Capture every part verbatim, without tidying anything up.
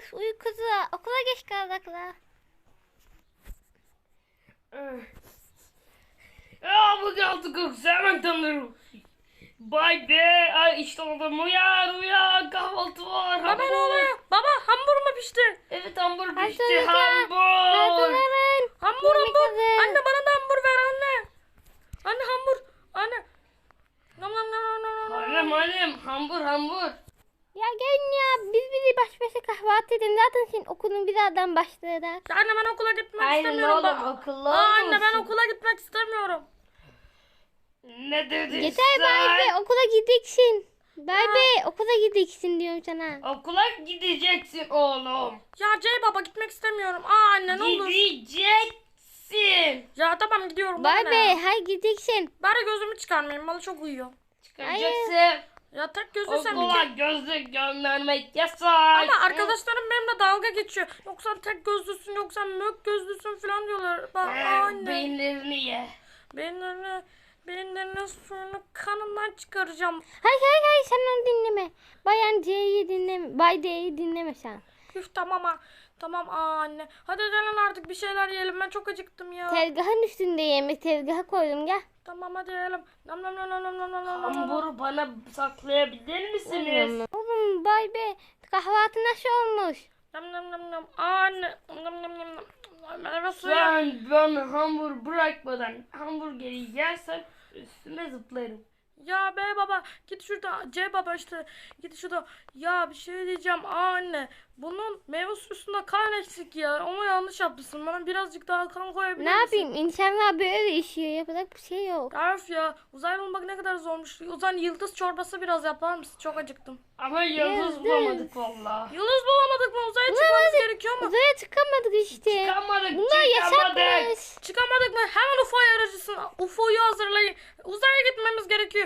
uykusu. Okula geç kaldık la. Ya bu kaldı kız hemen tanırım. Bay be, ay işte oldum, uyan uyan, kahvaltı var. Baba ne oluyor? Baba hamburger mu pişti? Evet, hamur Hadi pişti, çocuklar, hamur. Hazırlanın. Hamur Yemek hamur. hazır. Anne bana da hamur ver anne. Anne hamur. Anne. Nam nam nam nam nam. Annem annem, hamur hamur. Ya gelin ya, biz bizi baş başa kahvaltı edin. Zaten senin okulun birazdan başlayacak. Ya anne ben okula gitmek Aynen istemiyorum. oğlum, Ba- akıllı Aa, anne ben olmalısın. okula gitmek istemiyorum. Ne dedin Yeter sen? Bay Bey, okula gideceksin. Bay Bey, okula gideceksin diyorum sana. Okula gideceksin oğlum. Ya Cey baba gitmek istemiyorum. Aa anne ne olur. Gideceksin. Ya tamam gidiyorum. Bay bana Bey, ne? hayır gideceksin. Bari gözümü çıkarmayayım. Bana çok uyuyor. Çıkaracaksın. Ya tek gözlüysem bir Okula kere. gözlük göndermek yasak. Ama arkadaşlarım benimle dalga geçiyor. Yoksa tek gözlüsün yoksa mök gözlüsün falan diyorlar. Bak Ee, anne. Beyinlerini ye. Beyinlerini, beyinlerini suyunu kanından çıkaracağım. Hayır hayır hayır, sen onu dinleme. Bayan C'yi dinleme. Bay D'yi dinleme sen. Üf tamam ha. Tamam aa anne. Hadi gelin artık bir şeyler yiyelim. Ben çok acıktım ya. Tezgahın üstünde yemek, tezgaha koydum gel. Tamam hadi yiyelim. Nam nam nam nam nam nam nam nam. Hamuru bana saklayabilir misiniz? Oğlum Bay Bey, kahvaltı nasıl olmuş? Nam nam nam nam. Aa anne. Nam nam nam nam. Meyve suyu. Sen bana hamur bırakmadan hamburgeri yersen üstüne zıplarım. Ya be baba git şurada C baba işte git şurada ya bir şey diyeceğim aa anne bunun meyve suyusunda kan eksik ya onu yanlış yapmışsın bana birazcık daha kan koyabilir Ne misin? yapayım? İnsanlar böyle işiyor. Yapacak bir şey yok. Arif ya uzaylı olmak ne kadar zormuş. O zaman yıldız çorbası biraz yapar mısın? Çok acıktım. Ama yıldız Yıldız. bulamadık valla. Yıldız bulamadık mı? Uzaya çıkmamız Bulamadık. gerekiyor mu? Uzaya çıkamadık işte. Çıkamadık, Bunlar çıkamadık. yasakmış. Çıkamadık mı? Hemen U F O'yu aracısın. U F O'yu hazırlayın. Uzaya gitmemiz gerekiyor.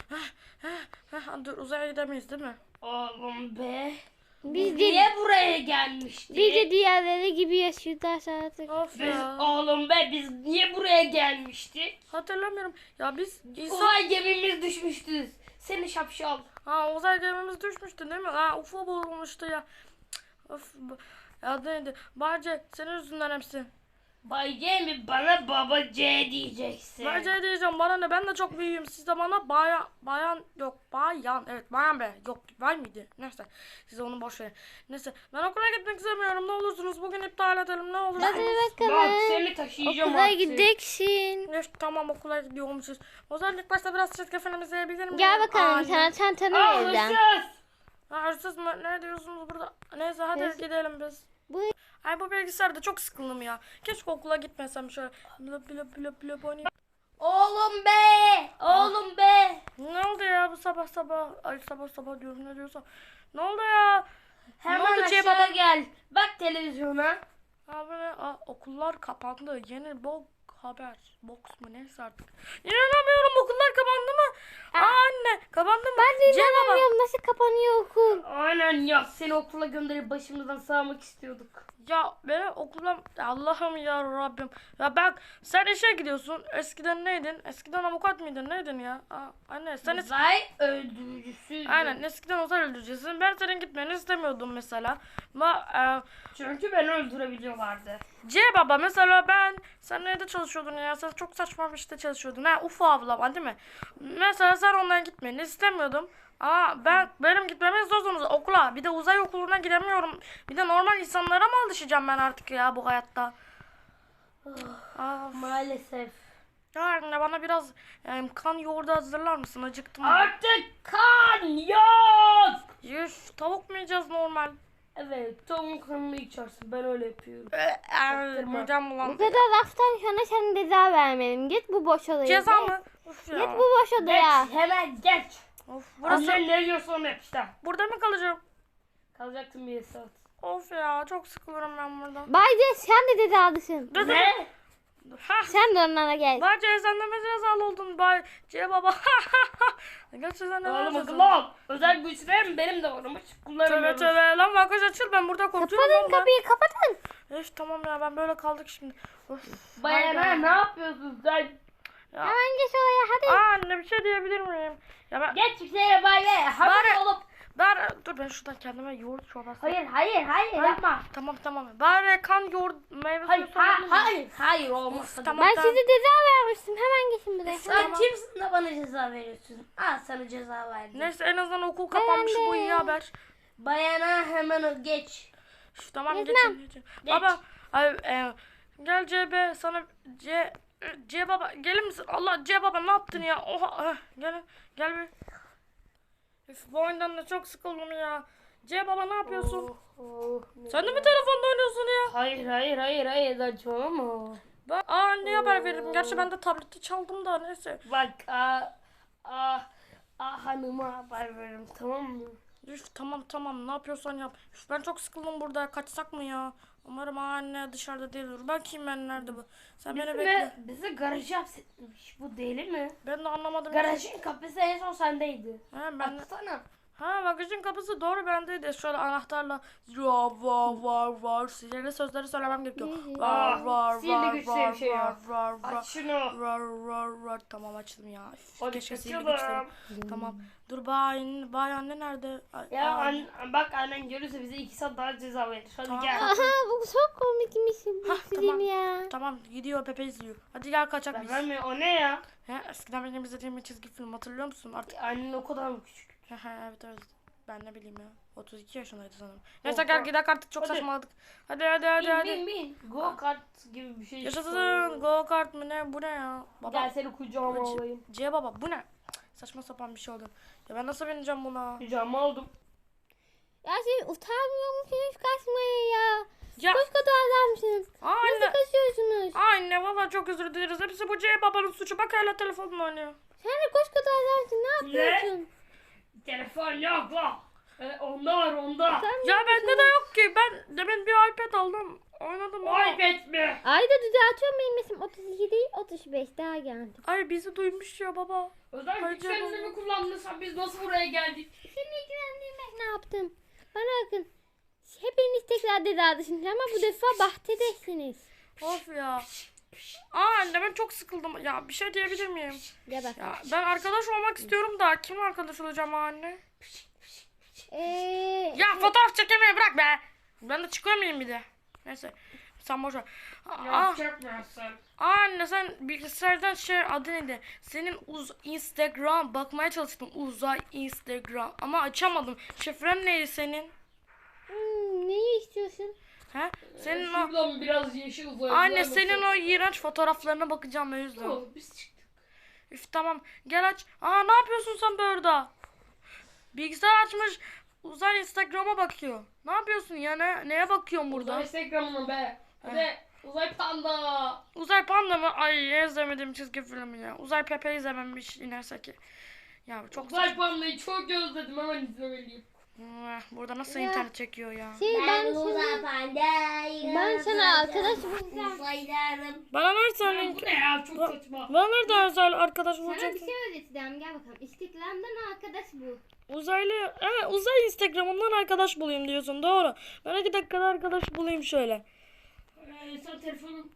Dur uzaya gidemeyiz değil mi? Oğlum be. Biz de, Niye buraya gelmiştik? biz de diğerleri gibi yaşıyoruz artık. Of Biz, ya. oğlum be, biz niye buraya gelmiştik? Hatırlamıyorum. Ya biz insan... Uzay gemimiz düşmüştü. Seni şapşal. Ha uzay gemimiz düşmüştü değil mi? Ha U F O bulunmuştu ya. Of. bu- Ya neydi? Barce senin yüzünden hepsi. Bay C mi? Bana baba C diyeceksin. Barce diyeceğim bana ne? Ben de çok büyüğüm. Siz de bana bayan bayan yok bayan evet bayan be yok var mıydı? Neyse siz onu boş verin. Neyse ben okula gitmek istemiyorum. Ne olursunuz bugün iptal edelim ne olur. Hadi Bak bakalım. seni taşıyacağım Okula artık. gideceksin. Evet, tamam okula gidiyormuşuz. O zaman ilk başta biraz çizgi film izleyebilir miyim? Gel bakalım, Anne. sana çantanı Aa, vereceğim. hırsız. Ha, hırsız mı? Ne diyorsunuz burada? Neyse hadi Hırsız. gidelim biz. Bu Ay bu bilgisayarda çok sıkıldım ya. Keşke okula gitmesem şöyle. Blöp blöp blöp blöp oynayayım. Oğlum be. Oğlum be. Ne oldu ya bu sabah sabah? Ay sabah sabah diyorum ne diyorsam. Ne oldu ya? Hemen ne oldu aşağı baba? gel. Bak televizyona. Abi ne? Aa, okullar kapandı. Yeni bok haber. Box mu neyse artık. İnanamıyorum okullar kapandı mı? Aa, anne kapandı mı? ben de Cem baba. inanamıyorum, nasıl kapanıyor okul. Aynen ya, seni okula gönderip başımızdan sağmak istiyorduk. Ya benim okulum Allah'ım ya Rabbim. Ya bak sen işe gidiyorsun. Eskiden neydin? Eskiden avukat mıydın? Neydin ya? Aa, anne sen es- Uzay öldürücüsüydü. Aynen eskiden uzay öldürücüsün. Ben senin gitmeni istemiyordum mesela. Ama e, Çünkü beni öldürebiliyorlardı. C baba mesela ben sen nerede çalışıyordun ya? Sen çok saçma bir işte çalışıyordun. Ha U F O avlama değil mi? Mesela sen ondan gitmeni istemiyordum. Aa ben benim gitmemi istiyorsunuz okula. Bir de uzay okuluna gidemiyorum. Bir de normal insanlara mı alışacağım ben artık ya bu hayatta? Aa, Maalesef. ya anne bana biraz e, kan yoğurdu hazırlar mısın? Acıktım. Artık kan yok. Yüz tavuk mu yiyeceğiz normal? Evet, tavuk kanını içersin. Ben öyle yapıyorum. Eee midem Bu bulandı. kadar laftan sonra sana ceza vermedim. Git bu boş odaya. Ceza Git. mı? Of ya. Git bu boş odaya. Geç, hemen geç. Of, burası Annen ne diyorsa onu yap işte. burada mı kalacağım? Kalacaktım bir saat. Of ya çok sıkılıyorum ben burada. Bayce sen de cezalısın. Ne? Ha. Sen de onlara gel. Bence sen de mi cezalı oldun bay C baba? Gerçekten de Oğlum mi akıllı ol. Özel güçlerim benim de varmış. Tövbe Kullanamıyoruz. tövbe lan bagaj açıl ben burada korkuyorum. Kapatın lan. kapıyı, kapatın. Üf tamam ya ben böyle kaldık şimdi. Of. Bayana hayda. ne yapıyorsun sen? Ya. Hemen geç oraya hadi. Aa, anne bir şey diyebilir miyim? Ya ben, Geç şuraya bay bay. Haber Bari- olup. ben dur ben şuradan kendime yoğurt çorbası. Hayır hayır hayır yapma. Tamam tamam. Bari kan yoğurt meyve Hayır suyu ha, sorabilir miyim? hayır hayır olmaz. Tamam Ben tamam. size ceza vermiştim. Hemen geçin buraya. Sen Tamam. kimsin de bana ceza veriyorsun? Al sana ceza verdim. Neyse en azından okul kapanmış, Ben bu de. iyi haber. Bayana hemen o geç. Üf, tamam Gezmem. geçin geçin. Geç. Baba ay, e, gel C B sana C C baba gelir misin? Allah C baba ne yaptın ya? Oha eh, gel gel bir. Üf, bu oyundan da çok sıkıldım ya. C baba ne yapıyorsun? Oh, oh, Sen de mi telefonda oynuyorsun ya? Hayır hayır hayır hayır saçmalama. Ben aa ne haber veririm? Gerçi ben de tableti çaldım da neyse. Bak ah ah ah hanıma haber veririm tamam mı? Üf, tamam tamam ne yapıyorsan yap. Üf, ben çok sıkıldım burada. Kaçsak mı ya? Umarım anne dışarıda değildir. Bakayım ben nerede bu. Sen beni bekle. Bize, bize garajı hapsetmiş. Bu deli mi? Ben de anlamadım. Garajın kapısı en son sendeydi. Ha, ben de... Baksana. Ha bagajın kapısı doğru bendeydi. Şöyle anahtarla ya var var var sihirli sözleri söylemem gerekiyor. Var var sihirli var güç diye var bir şey var yok. var var Aç şunu. var var var tamam açtım ya. Üf, Hadi keşke sihirli kaçalım. güçlerim. Tamam. Dur bay bay anne nerede? Ay, Ya ay. an, bak annen görürse bize iki saat daha ceza verir. Hadi Tamam. gel. Aha bu çok komikmiş. Bu Hah, film tamam. ya. Tamam gidiyor Pepe izliyor. Hadi gel kaçak biz. Ben mi? O ne ya? He, eskiden benim izlediğim bir çizgi film hatırlıyor musun? Artık Annen o kadar mı küçük? he, he, evet evet. Ben ne bileyim ya. otuz iki yaşındaydı sanırım. Neyse gel gidelim artık çok Hadi. saçmaladık. Hadi hadi hadi Bin hadi. bin bin. Go kart gibi bir şey. Yaşasın. Go kart mı ne? Bu ne ya? Baba. Gel seni kucağıma C- alayım. C baba bu ne? Cık, saçma sapan bir şey oldu. Ya ben nasıl bineceğim buna? Kucağıma aldım. Ya siz utanmıyor musunuz kaçmaya ya? Ya Koskoca adamsınız. Nasıl anne. kaçıyorsunuz? Anne valla çok özür dileriz. Hepsi bu C babanın suçu. Bak hala telefonla oynuyor. Sen de koskoca adamsın. Ne Ne? yapıyorsun? Telefon yok la. E, onda var onda. Sen Ya bende de yok ki. Ben demin bir iPad aldım. Oynadım ama. Ay betme. Ayda düzeltiyorum benim isim otuz iki değil otuz beş daha geldi. Ay bizi duymuş ya baba. Özel Ay güçlerini canım. mi kullandın sen? Biz nasıl buraya geldik? Seni ilgilendirmek ne yaptım? Bana bakın. Hepiniz tekrar cezadasınız ama bu defa bahçedesiniz. Of ya. Aa anne ben çok sıkıldım. Ya bir şey diyebilir miyim? Gel bak. Ya ben arkadaş olmak istiyorum da kimle arkadaş olacağım anne? Ee, Ya fotoğraf çekemeyi bırak be. Ben de çıkıyor muyum bir de? Neyse. Sen boş ver. Aa, Yapacak mısın sen? anne sen bilgisayardan şey adı neydi? Senin uz Instagram bakmaya çalıştım. Uzay Instagram ama açamadım. Şifren neydi senin? hmm, neyi istiyorsun? He? Senin o Şuradan biraz yeşil uzay. anne senin o iğrenç fotoğraflarına bakacağım o yüzden. Oh, biz çıktık. Üf tamam gel aç. Aa ne yapıyorsun sen böyle? Bilgisayar açmış. Uzay Instagram'a bakıyor. Ne yapıyorsun ya? Ne, neye bakıyorsun burada? Uzay Instagram'ına be. Hadi uzay panda. Uzay Panda mı? Ay izlemedim çizgi filmi ya. Uzay Pepe izlememiş inerse ki. Ya çok Uzay saçma. pandayı çok özledim hemen izlemeliyim. Hmm, Burada nasıl Ya. internet çekiyor ya? Şey ben sana, pandayım. ben sana arkadaş bulacağım. Uzaylarım. Bana nereden Ya link? bu ne ya çok saçma. Bana nereden özel arkadaş Sana bulacak? bir şey öğreteceğim gel bakalım. İstiklal'den arkadaş bul. Uzaylı, evet uzay Instagram'ından arkadaş bulayım diyorsun doğru. Ben iki dakikada arkadaş bulayım şöyle. Ee, sen telefonun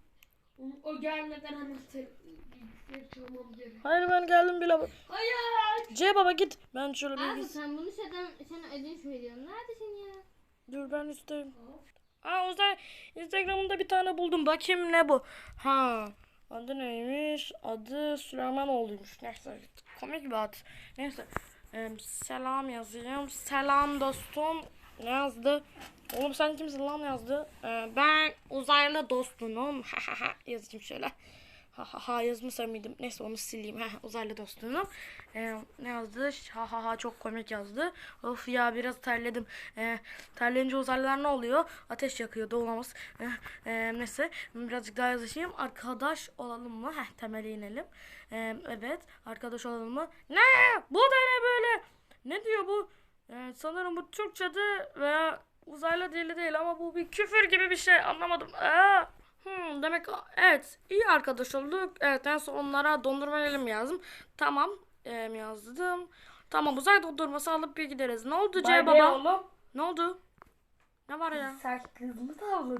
o gelmeden hemen bilgisayarı çalmam gerek. Hayır ben geldim bile. Hayır. C baba git. Ben şöyle Abi bilgis. sen bunu sana, sana ödünç veriyorum. Neredesin ya? Dur ben üstteyim. Aa uzay Instagram'ında bir tane buldum. Bakayım ne bu? Ha. Adı neymiş? Adı Süleymanoğlu'ymuş. Neyse. Komik bir ad. Neyse. Ee, selam yazayım. Selam dostum. Ne yazdı? Oğlum sen kimsin lan yazdı? Ee, ben uzaylı dostunum. Ha ha ha yazayım şöyle. Ha ha ha yazmışsam mıydım? Neyse onu sileyim. Heh, uzaylı dostunum. Ee, ne yazdı? Ha ha ha çok komik yazdı. Of ya biraz terledim. Ee, terleyince uzaylılar ne oluyor? Ateş yakıyor. Doğulamaz. Ee, e, neyse birazcık daha yazayım. Arkadaş olalım mı? Heh temele inelim. Ee, evet arkadaş olalım mı? Ne? Bu da ne böyle? Ne diyor bu? Ee, sanırım bu Türkçe'de veya uzaylı dili değil ama bu bir küfür gibi bir şey. Anlamadım. Aa. Hmm, demek evet iyi arkadaş olduk. Evet en son onlara dondurma verelim yazdım. Tamam e, yazdım. Tamam uzay dondurması alıp bir gideriz. Ne oldu C Bay baba? oğlum. Ne oldu? Ne var ya? Sen kız mı tavladın?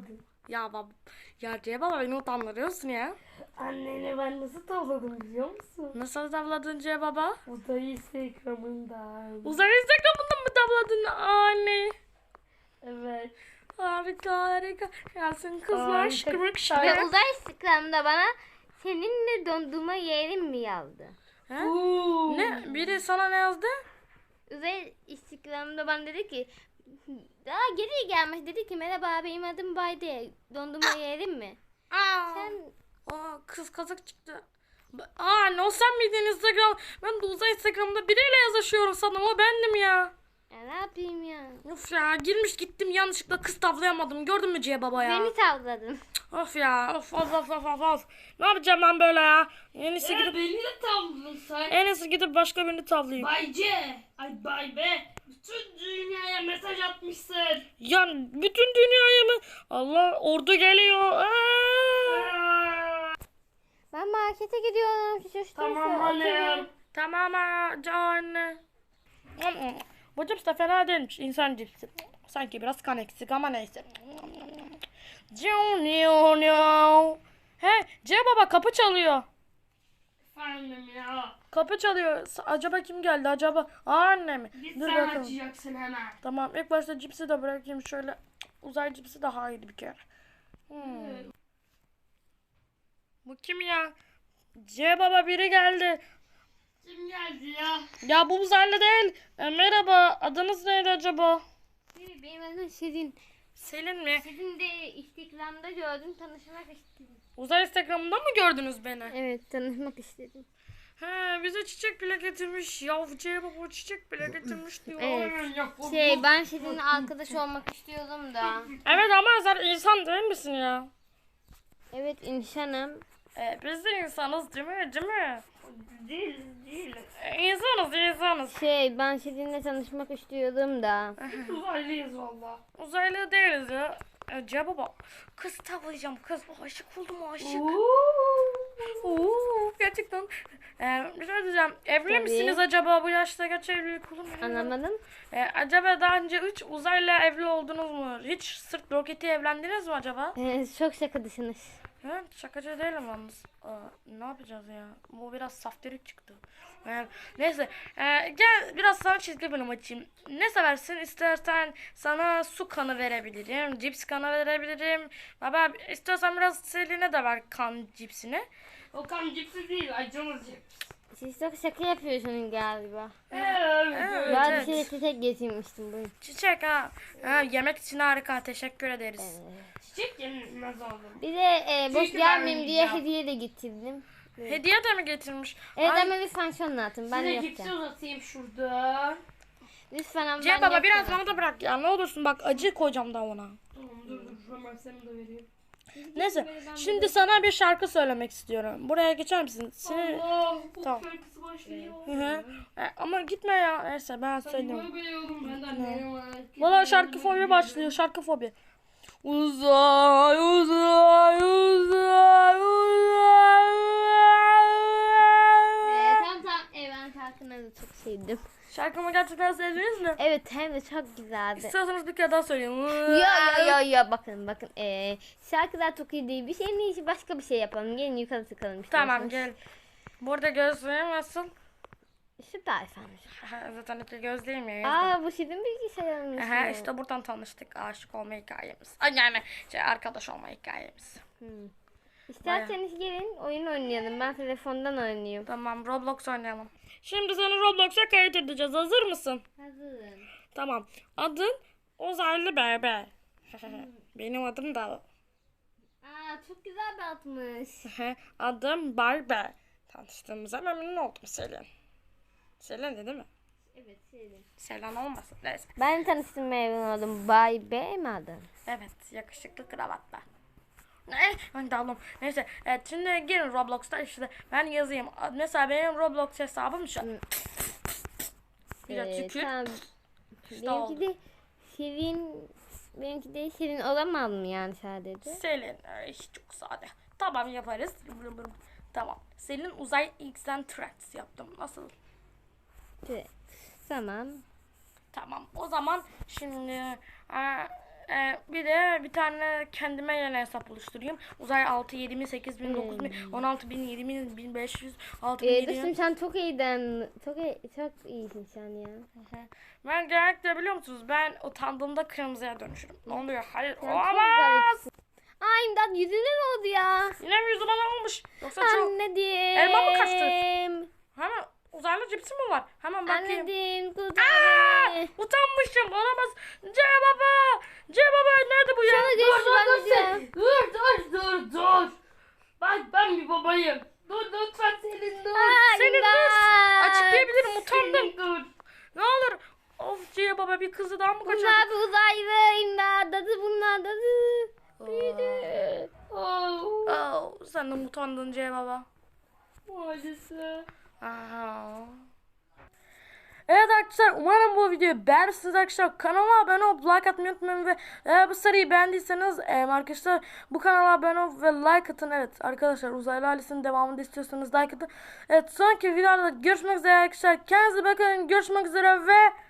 Ya bab ya C baba beni utandırıyorsun ya. Anneni ben nasıl tavladım biliyor musun? Nasıl tavladın C baba? Uzay Instagram'ından. Uzay Instagram'ından mı tavladın anne? Evet. Harika harika. Gelsin kızlar Harika. şıkırık Ve şıkırık. uzay Instagram'da bana seninle dondurma yerim mi yazdı? Ha? Uuu. Ne? Biri sana ne yazdı? Uzay Instagram'da bana dedi ki daha geri gelmiş dedi ki merhaba benim adım Bayde dondurma yerim mi? Aa. Sen Aa, kız kazak çıktı. Aa ne o sen miydin Instagram? Ben de uzay Instagram'da biriyle yazışıyorum sandım o bendim ya. ya ne yapayım ya? Of ya girmiş gittim yanlışlıkla kız tavlayamadım. Gördün mü C baba ya? Beni tavladın. Of ya of of of of of of. Ne yapacağım ben böyle ya? En iyisi Ya gidip beni de tavladın sen. en iyisi gidip başka birini tavlayayım. Bay C. Ay Bay B. Bütün dünyaya mesaj atmışsın. Ya bütün dünyaya mı? Allah ordu geliyor. Aa! Aa. Ben markete gidiyorum. Şu çocuklar Tamam hanım. Tamam ha anne. Bu cips de fena değilmiş. İnsan cipsi. Sanki biraz kan eksik ama neyse. He C baba kapı çalıyor. Efendim ya. Kapı çalıyor. S- Acaba kim geldi acaba? Aa, anne mi? Git Dur sen bakalım. açacaksın hemen. Tamam ilk başta cipsi de bırakayım şöyle. Uzay cipsi daha iyiydi bir kere. Hmm. Bu kim ya? C baba biri geldi. Kim geldi ya? Ya bu uzaylı değil. E, merhaba adınız neydi acaba? Benim adım Şirin. Selin mi? Şirin de Instagram'da gördüm tanışmak istedim. Uzay Instagram'ından mı gördünüz beni? Evet tanışmak istedim. He bize çiçek bile getirmiş. Ya C baba çiçek bile getirmiş diyor. Evet. Hemen yap. bu- Şey ben Şirin'le arkadaş olmak istiyordum da. Evet ama sen insan değil misin ya? Evet insanım. E, biz de insanız değil mi? Değil mi? Değil değil. E, insanız insanız. Şey ben Şirin'le tanışmak istiyordum da. Uzaylıyız valla. Uzaylı değiliz ya. E, C baba kız tavlayacağım kız. Aşık oldum aşık. Oo, gerçekten. Ee, bir şey diyeceğim. Evli Tabii. misiniz acaba bu yaşta geç evlilik olur mu? Anlamadım. Ee, acaba daha önce hiç uzayla evli oldunuz mu? Hiç sırt roketi evlendiniz mi acaba? Ee, çok şakadısınız. He, şakacı değilim yalnız. Aa, ne yapacağız ya? Bu biraz saftirik çıktı. Ee, neyse. Ee, gel biraz sana çizgi film açayım. Ne seversin? İstersen sana su kanı verebilirim. Cips kanı verebilirim. Baba istiyorsan biraz Selin'e de ver kan cipsini. O kan cipsi değil, acımız cips. Siz çok şaka yapıyorsunuz galiba. Evet. Evet. Ben bir şey çiçek getirmiştim bugün. Çiçek ha. ha. Yemek için harika. Teşekkür ederiz. Çiçek yenilmez oğlum. Bir de e, boş Çünkü gelmeyeyim ben diye yiyeceğim. hediye de getirdim. Hediye de mi getirmiş? Evet Ay, ama lütfen şunu atın. Ben Size cipsi yapacağım. uzatayım şurada. Lütfen ama C ben baba biraz yapacağım. bana da bırak ya. Ne olursun bak acı koyacağım da ona. Tamam dur dur. Hemen sana da vereyim. Neyse. Şimdi sana bir şarkı söylemek istiyorum. Buraya geçer misin? Seni... Allah bu Tamam. şarkısı başlıyor. Hı hı. E, ama gitme ya. Neyse ben Sen söyleyeyim. böyle biliyorum benden ne var? Valla şarkı fobi başlıyor. Şarkı fobi. Uzay uzay uzay uzay. Ee, tamam tamam. Evet ben şarkını da çok sevdim. Şarkımı gerçekten sevdiniz mi? Evet hem de çok güzeldi. İstiyorsanız bir kere daha söyleyeyim. Yo yo yo yo bakın bakın. Ee, şarkılar çok iyi değil. Bir şeyin iyisi başka bir şey yapalım. Gelin yukarı çıkalım. Tamam isterseniz. gel. Burada gözlüğüm nasıl? Süper efendim. Aha, zaten iki gözlüğüm ya. yazdım. Aa bu sizin bilgisayarınız Aha, mı? işte buradan tanıştık. Aşık olma hikayemiz. Ay, yani şey, arkadaş olma hikayemiz. Hmm. İsterseniz gelin oyun oynayalım. Ben telefondan oynuyorum. Tamam Roblox oynayalım. Şimdi seni Roblox'a kayıt edeceğiz. Hazır mısın? Hazırım. Tamam. Adın Uzaylı Bebe. Benim adım da. Aa çok güzel bir atmış. Adım Barbie. Tanıştığımıza memnun oldum Selin. Selin de değil mi? Evet sevdim. Selin olmasın. Neyse. Ben tanıştım memnun oldum. Bay B mi adın? Evet. Yakışıklı kravatla. Ne? Ben daldım. Neyse. Evet, şimdi girin Roblox'ta işte ben yazayım. Mesela benim Roblox hesabım şu. Bir de Ee, tükür. tamam. İşte oldu. Benimki de Şirin. Benimki de Şirin olamaz mı yani sadece? Selin. Ay, çok sade. Tamam yaparız. Tamam. Selin uzay X'den Tracks yaptım. Nasıl? Evet. Tamam. Tamam. O zaman şimdi e, e, bir de bir tane kendime yeni hesap oluşturayım. Uzay altı, yedi bin, sekiz bin, dokuz bin, on altı bin, yedi bin, bin beş yüz, altı bin, Ee, yedi dostum bin. sen çok iyiden. Çok iyi, çok iyisin sen ya. Ben genellikle biliyor musunuz ben utandığımda kırmızıya dönüşürüm. Ne oluyor? Hayır. Sen çok Olamaz. garipsin. Ay imdat yüzüne ne oldu ya? Yine mi yüzü bana olmuş? Yoksa çok... Anneciğim. Elma mı kaçtı? Hemen uzaylı cipsi mi var? Hemen bakayım. Anneciğim kurtar Aa, beni. utanmışım. Olamaz. C baba. C baba nerede bu ya? Sana Dur görüşürüz dur dur anneciğim. sen. Dur dur dur dur. Bak ben bir babayım. Dur lütfen senin dur. Ay, Senin imdat. dur. Açıklayabilirim. Utandım. Senin dur. Ne olur. Of C baba bir kızı daha mı kaçırdı? Bunlar bir uzaylı imdat. Dadı bunlar dadı. Büyüdü. Oh. Oh, sen de mi utandın C baba? Maalesef. Aha. Evet arkadaşlar umarım bu videoyu beğenirsiniz arkadaşlar. Kanala abone olup like atmayı unutmayın ve eğer bu seriyi beğendiyseniz e, arkadaşlar bu kanala abone olup ve like atın. Evet arkadaşlar uzaylı ailesinin devamını da istiyorsanız like atın. Evet sonraki videolarda görüşmek üzere arkadaşlar. Kendinize bakın. Görüşmek üzere ve